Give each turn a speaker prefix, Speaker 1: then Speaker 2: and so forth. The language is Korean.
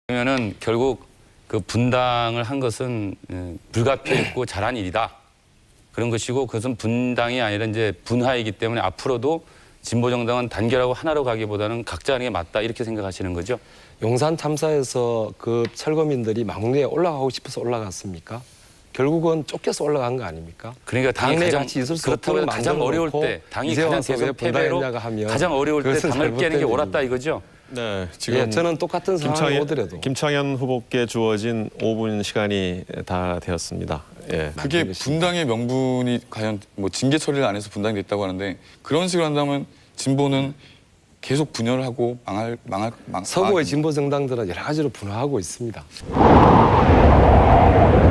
Speaker 1: 그러면은 결국 그 분당을 한 것은 불가피했고 잘한 일이다. 그런 것이고 그것은 분당이 아니라 이제 분화이기 때문에 앞으로도 진보정당은 단결하고 하나로 가기보다는 각자 하는 게 맞다 이렇게 생각하시는 거죠?
Speaker 2: 용산 참사에서 그 철거민들이 막내에 올라가고 싶어서 올라갔습니까? 결국은 쫓겨서 올라간 거 아닙니까?
Speaker 1: 그러니까 당이
Speaker 2: 당내
Speaker 1: 가장
Speaker 2: 같이 있을 수
Speaker 1: 그렇다고
Speaker 2: 없도록
Speaker 1: 가장 어려울 때 당이
Speaker 2: 이제
Speaker 1: 가장
Speaker 2: 와서 왜
Speaker 1: 대선 패배로
Speaker 2: 분당했냐가 하면
Speaker 1: 가장 어려울 때
Speaker 2: 그것은
Speaker 1: 당을 깨는 게
Speaker 2: 잘못된
Speaker 1: 옳았다 이거죠?
Speaker 3: 네, 지금
Speaker 2: 예, 저는 똑같은 상황이 오더라도
Speaker 3: 김창현 후보께 주어진 5분 시간이 다 되었습니다. 예.
Speaker 4: 그게 분당의 명분이 과연 뭐 징계 처리를 안 해서 분당이 됐다고 하는데 그런 식으로 한다면 진보는 계속 분열을 하고
Speaker 2: 서구의 진보 정당들은 여러 가지로 분화하고 있습니다.